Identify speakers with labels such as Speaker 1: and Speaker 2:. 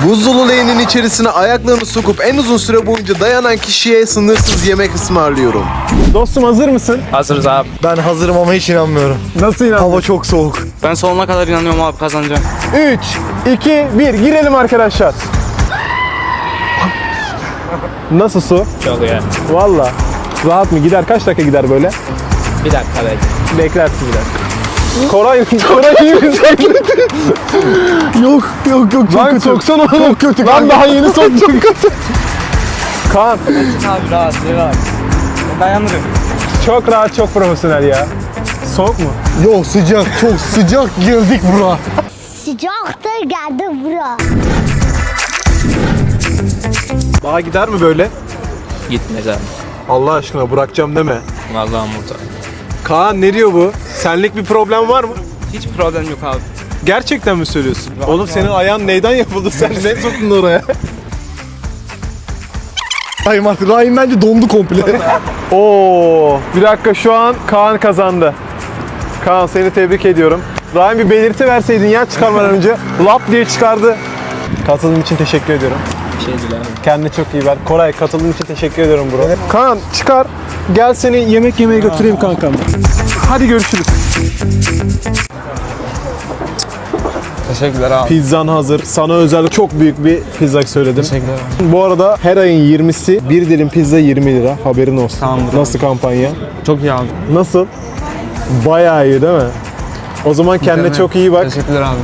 Speaker 1: Buz dolu leğenin içerisine ayaklarını sokup en uzun süre boyunca dayanan kişiye sınırsız yemek ısmarlıyorum.
Speaker 2: Dostum hazır mısın?
Speaker 3: Hazırız abi.
Speaker 4: Ben hazırım ama hiç inanmıyorum.
Speaker 2: Nasıl inandın?
Speaker 4: Hava çok soğuk.
Speaker 3: Ben sonuna kadar inanıyorum abi, kazanacağım.
Speaker 2: 3, 2, 1 girelim arkadaşlar. Nasıl su?
Speaker 3: Çok iyi.
Speaker 2: Valla. Rahat mı? Gider kaç dakika gider böyle?
Speaker 3: Bir dakika bekle.
Speaker 2: Beklersin bir dakika. Koray iyi misin?
Speaker 4: Yok çok
Speaker 2: Lan
Speaker 4: kötü.
Speaker 2: soksana onu.
Speaker 4: Çok kötü.
Speaker 2: Lan daha yeni soktum. Kaan
Speaker 3: Abi rahat. Dayanırım.
Speaker 2: çok rahat, çok profesyonel ya. Soğuk mu?
Speaker 4: Yok sıcak, çok sıcak girdik bura.
Speaker 5: Sıcaktır geldi bura.
Speaker 2: Daha gider mi böyle?
Speaker 3: Gitmez abi.
Speaker 2: Allah aşkına bırakacağım deme.
Speaker 3: Vallahi burada.
Speaker 2: Kaan ne diyor bu? Senlik bir problem var mı?
Speaker 3: Hiç problem yok abi.
Speaker 2: Gerçekten mi söylüyorsun? Oğlum senin ayağın neyden yapıldı? Sen ne soktun oraya?
Speaker 4: Rahim artık. Rahim bence dondu komple.
Speaker 2: Oo, bir dakika şu an Kaan kazandı. Kaan seni tebrik ediyorum. Rahim bir belirti verseydin ya çıkarmadan önce. Lap diye çıkardı. Katıldığın için teşekkür ediyorum.
Speaker 3: Bir şey değil abi.
Speaker 2: Kendine çok iyi ver. Koray katıldığın için teşekkür ediyorum bro. Kaan çıkar. Gel seni yemek yemeye götüreyim kankam. Hadi görüşürüz.
Speaker 3: Teşekkürler abi.
Speaker 2: Pizzan hazır. Sana özel çok büyük bir pizza söyledim.
Speaker 3: Teşekkürler.
Speaker 2: Bu arada her ayın 20'si bir dilim pizza 20 lira. Haberin olsun.
Speaker 3: Tamamdır.
Speaker 2: Nasıl kampanya?
Speaker 3: Çok iyi abi.
Speaker 2: Nasıl? Bayağı iyi değil mi? O zaman kendine çok iyi bak.
Speaker 3: Teşekkürler abi.